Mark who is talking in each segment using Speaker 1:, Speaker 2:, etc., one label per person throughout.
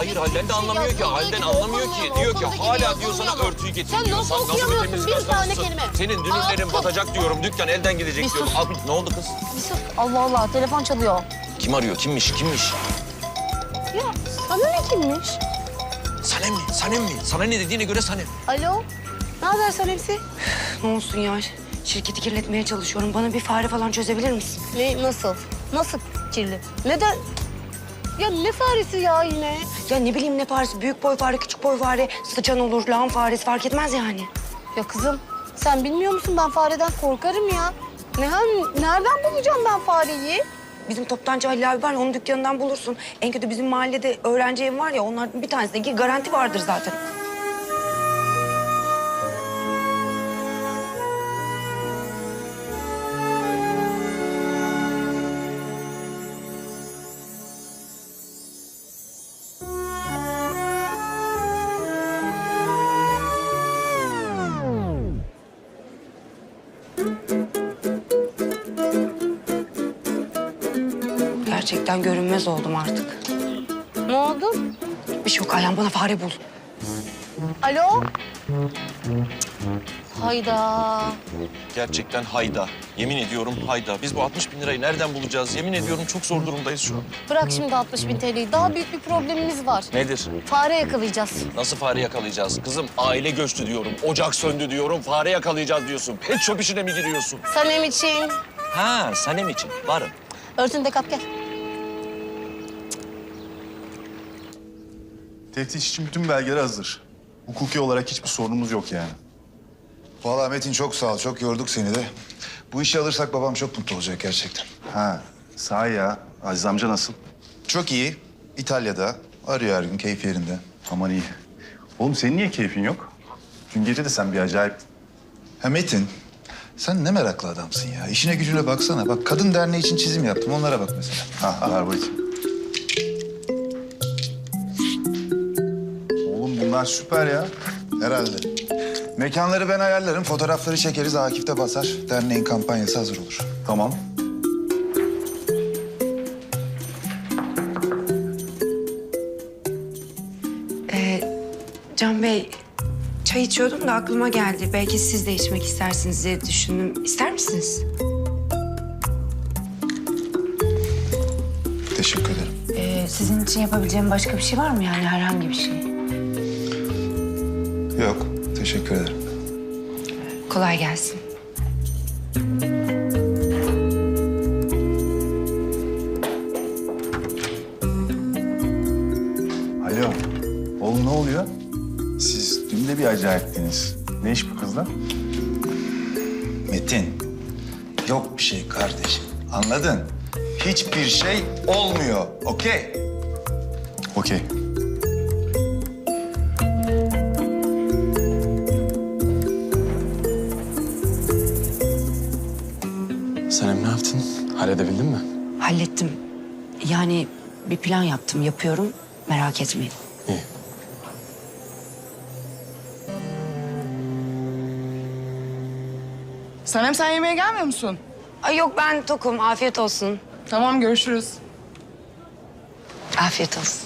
Speaker 1: Hayır Halden de anlamıyor ki. Halden anlamıyor ki. Diyor ki hala diyor sana örtüyü getir
Speaker 2: Sen
Speaker 1: diyor.
Speaker 2: nasıl
Speaker 1: Sen nasıl bir
Speaker 2: okuyamıyorsun?
Speaker 1: temizlik
Speaker 2: Bir tane
Speaker 1: hastasısın?
Speaker 2: kelime.
Speaker 1: Senin dünürlerin batacak diyorum. Dükkan elden gidecek
Speaker 2: Bir
Speaker 1: diyorum.
Speaker 2: sus.
Speaker 1: Abi, ne oldu kız?
Speaker 2: Bir sus. Allah Allah, telefon çalıyor.
Speaker 1: Kim arıyor? Kimmiş? Kimmiş?
Speaker 2: Ya sana ne kimmiş?
Speaker 1: Sanem mi? Sanem mi? Sana ne dediğine göre Sanem.
Speaker 2: Alo, ne haber Sanemsi?
Speaker 3: Ne olsun ya? Şirketi kirletmeye çalışıyorum. Bana bir fare falan çözebilir misin?
Speaker 2: Ne, nasıl? Nasıl kirli? Neden? Ya ne faresi ya yine?
Speaker 3: Ya ne bileyim ne faresi? Büyük boy fare, küçük boy fare, sıçan olur, lağım faresi fark etmez yani.
Speaker 2: Ya kızım, sen bilmiyor musun ben fareden korkarım ya. Nereden bulacağım ben fareyi?
Speaker 3: Bizim toptancı Halil abi var ya, onun dükkanından bulursun. En kötü bizim mahallede öğrenci evi var ya, onlardan bir tanesindeki garanti vardır zaten. Gerçekten görünmez oldum artık.
Speaker 2: Ne oldu?
Speaker 3: Bir şey yok, Ayhan bana fare bul.
Speaker 2: Alo? Hayda.
Speaker 1: Gerçekten hayda. Yemin ediyorum hayda. Biz bu 60 bin lirayı nereden bulacağız? Yemin ediyorum çok zor durumdayız şu an.
Speaker 2: Bırak şimdi 60 bin TL'yi. Daha büyük bir problemimiz var.
Speaker 1: Nedir?
Speaker 2: Fare yakalayacağız.
Speaker 1: Nasıl fare yakalayacağız? Kızım aile göçtü diyorum. Ocak söndü diyorum. Fare yakalayacağız diyorsun. Pet shop işine mi giriyorsun?
Speaker 2: Sanem için.
Speaker 1: Ha, Sanem için. Varım.
Speaker 2: Örtünü de kap gel.
Speaker 4: Teftiş için bütün belgeler hazır. Hukuki olarak hiçbir sorunumuz yok yani.
Speaker 5: Vallahi Metin çok sağ ol. Çok yorduk seni de. Bu işi alırsak babam çok mutlu olacak gerçekten.
Speaker 4: Ha, sahi ya. Aziz amca nasıl?
Speaker 5: Çok iyi. İtalya'da. Arıyor her gün, keyif yerinde.
Speaker 4: Aman iyi. Oğlum senin niye keyfin yok? Dün gece de sen bir acayip...
Speaker 5: Ha Metin, sen ne meraklı adamsın ya. İşine gücüne baksana. Bak kadın derneği için çizim yaptım. Onlara bak mesela.
Speaker 4: Ha, ver bakayım. Oğlum bunlar süper ya.
Speaker 5: Herhalde. Mekanları ben ayarlarım. Fotoğrafları çekeriz. Akif de basar. Derneğin kampanyası hazır olur.
Speaker 4: Tamam.
Speaker 3: Can Bey, çay içiyordum da aklıma geldi. Belki siz de içmek istersiniz diye düşündüm. İster misiniz?
Speaker 5: Teşekkür ederim.
Speaker 3: Sizin için yapabileceğim başka bir şey var mı yani, herhangi bir şey?
Speaker 5: Yok, teşekkür ederim.
Speaker 3: Kolay gelsin.
Speaker 4: Alo. Oğlum ne oluyor? Siz dün de bir acayiptiniz. Ne iş bu kızla?
Speaker 5: Metin, yok bir şey kardeşim. Anladın? Hiçbir şey olmuyor. Okey?
Speaker 4: Okey.
Speaker 6: Sanem ne yaptın? Halledebildin mi?
Speaker 3: Hallettim. Yani bir plan yaptım, yapıyorum. Merak etmeyin.
Speaker 6: İyi.
Speaker 7: Sanem sen yemeğe gelmiyor musun?
Speaker 3: Ay yok, ben tokum. Afiyet olsun.
Speaker 7: Tamam görüşürüz.
Speaker 3: Afiyet olsun.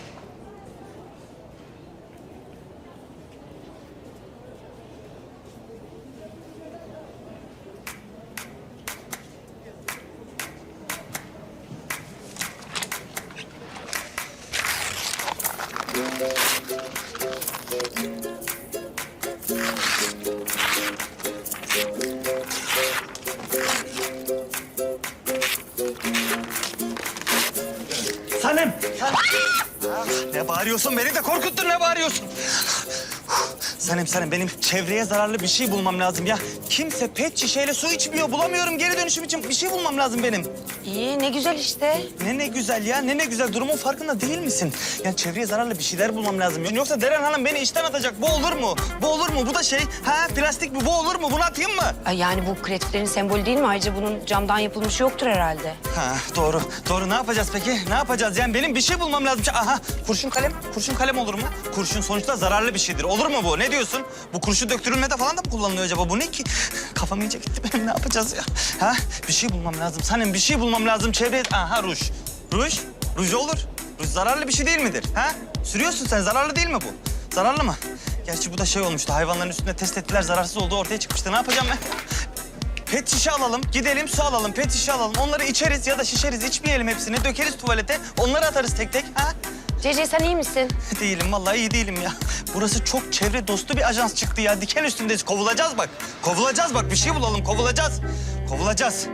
Speaker 8: Sanem! Ne bağırıyorsun? Beni de korkuttun, ne bağırıyorsun? Sanem, benim çevreye zararlı bir şey bulmam lazım ya. Kimse pet şişeyle su içmiyor. Bulamıyorum, geri dönüşüm için bir şey bulmam lazım benim.
Speaker 3: İyi, ne güzel işte.
Speaker 8: Ne güzel ya, ne güzel. Durumun farkında değil misin? Yani çevreye zararlı bir şeyler bulmam lazım. Yoksa Deren Hanım beni işten atacak. Bu olur mu? Bu olur mu? Bu da şey, plastik mi? Bu olur mu? Bunu atayım mı?
Speaker 3: Ay yani bu kreatiflerin sembolü değil mi? Ayrıca bunun camdan yapılmışı yoktur herhalde.
Speaker 8: Doğru. Ne yapacağız peki? Ne yapacağız? Yani benim bir şey bulmam lazım. Aha, kurşun kalem. Kurşun kalem olur mu? Kurşun sonuçta zararlı bir şeydir. Olur mu bu? Ne diyorsun? Bu kurşun döktürülmede falan da mı kullanılıyor acaba? Bu ne ki? Kafam iyice gitti benim. Ne yapacağız ya? Bir şey bulmam lazım. Sanem, bir şey bulmam lazım. Çevreye... Aha, ruj. Ruj? Ruj olur. Ruj zararlı bir şey değil midir? Sürüyorsun sen. Zararlı değil mi bu? Zararlı mı? Gerçi bu da şey olmuştu. Hayvanların üstünde test ettiler. Zararsız olduğu ortaya çıkmıştı. Ne yapacağım ben? Pet şişe alalım. Gidelim su alalım. Pet şişe alalım. Onları içeriz ya da şişeriz. İçmeyelim hepsini. Dökeriz tuvalete. Onları atarız tek tek. Ha?
Speaker 3: Cece sen iyi misin?
Speaker 8: Değilim. Vallahi iyi değilim ya. Burası çok çevre dostu bir ajans çıktı ya. Diken üstündeyiz. Kovulacağız bak. Kovulacağız bak. Bir şey bulalım. Kovulacağız. Kovulacağız.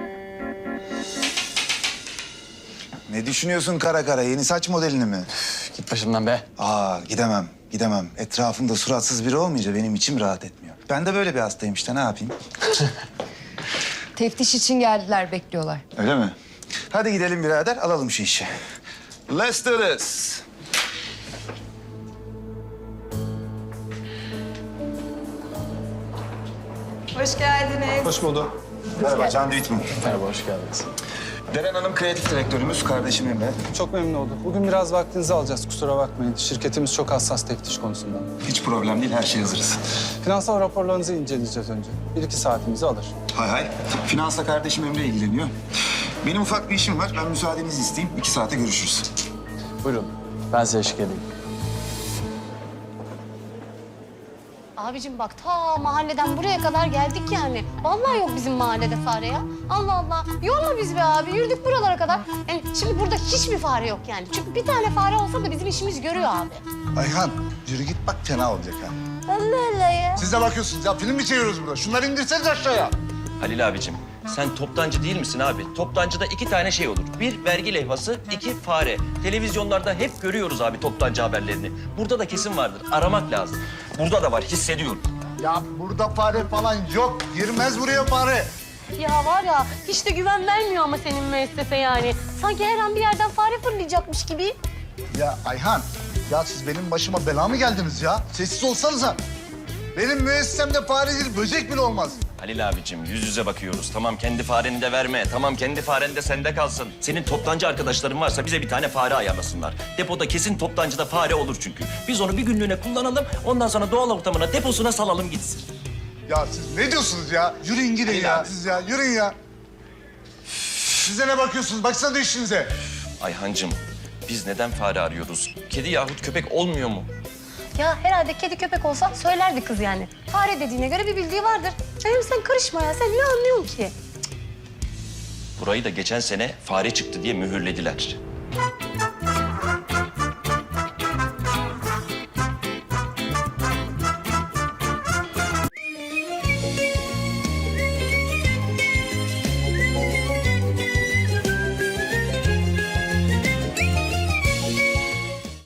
Speaker 5: Ne düşünüyorsun kara kara? Yeni saç modelini mi?
Speaker 6: Git başımdan be.
Speaker 5: Aa gidemem, gidemem. Etrafımda suratsız biri olmayınca benim içim rahat etmiyor. Ben de böyle bir hastayım işte, ne yapayım?
Speaker 9: Teftiş için geldiler, bekliyorlar.
Speaker 5: Öyle mi? Hadi gidelim birader, alalım şu işi. Let's do this.
Speaker 9: Hoş geldiniz.
Speaker 5: Hoş bulduk. Merhaba, Can Düğütmen.
Speaker 6: Merhaba, hoş geldiniz.
Speaker 5: Deren Hanım kreatif direktörümüz, kardeşim Emre.
Speaker 10: Çok memnun olduk. Bugün biraz vaktinizi alacağız, kusura bakmayın. Şirketimiz çok hassas teftiş konusunda.
Speaker 5: Hiç problem değil, her şey hazırız.
Speaker 10: Finansal raporlarınızı inceleyeceğiz önce. 1-2 saatimizi alır.
Speaker 5: Hay hay. Finansla kardeşim Emre ilgileniyor. Benim ufak bir işim var, ben müsaadenizi isteyeyim. 2 saate görüşürüz.
Speaker 6: Buyurun, ben size eşlik edeyim.
Speaker 2: Abicim bak ta mahalleden buraya kadar geldik yani. Vallahi yok bizim mahallede fare ya. Allah Allah. Yorma biz be abi. Yürüdük buralara kadar. Yani şimdi burada hiçbir fare yok yani. Çünkü bir tane fare olsa da bizim işimiz görüyor abi.
Speaker 11: Ayhan yürü git bak fena olacak ha.
Speaker 2: Allah Allah ya.
Speaker 11: Siz de bakıyorsunuz ya film mi çeviriyoruz burada? Şunları indirseniz aşağıya.
Speaker 1: Halil abicim, sen toptancı değil misin abi? Toptancıda 2 tane şey olur. 1 vergi levhası, 2 fare. Televizyonlarda hep görüyoruz abi toptancı haberlerini. Burada da kesin vardır. Aramak lazım. Burada da var, hissediyorum.
Speaker 11: Ya burada fare falan yok. Girmez buraya fare.
Speaker 2: Ya var ya hiç de güven vermiyor ama senin müessese yani. Sanki her an bir yerden fare fırlayacakmış gibi.
Speaker 11: Ya Ayhan ya siz benim başıma bela mı geldiniz ya? Sessiz olsanıza. Benim müessesemde fare değil böcek bile olmaz.
Speaker 1: Halil abicim, yüz yüze bakıyoruz. Tamam kendi fareni de verme. Tamam kendi faren de sende kalsın. Senin toptancı arkadaşların varsa bize bir tane fare ayarlasınlar. Depoda kesin toptancıda fare olur çünkü. Biz onu bir günlüğüne kullanalım. Ondan sonra doğal ortamına, deposuna salalım gitsin.
Speaker 11: Ya siz ne diyorsunuz ya? Yürüyün gidin ya
Speaker 1: abi.
Speaker 11: siz ya. Yürüyün ya. Size ne bakıyorsunuz? Baksana işinize.
Speaker 1: Ayhancığım, biz neden fare arıyoruz? Kedi yahut köpek olmuyor mu?
Speaker 2: Ya herhalde kedi köpek olsa söylerdi kız yani. Fare dediğine göre bir bildiği vardır. Hem sen karışma ya. Sen ne anlıyorsun ki?
Speaker 1: Burayı da geçen sene fare çıktı diye mühürlediler.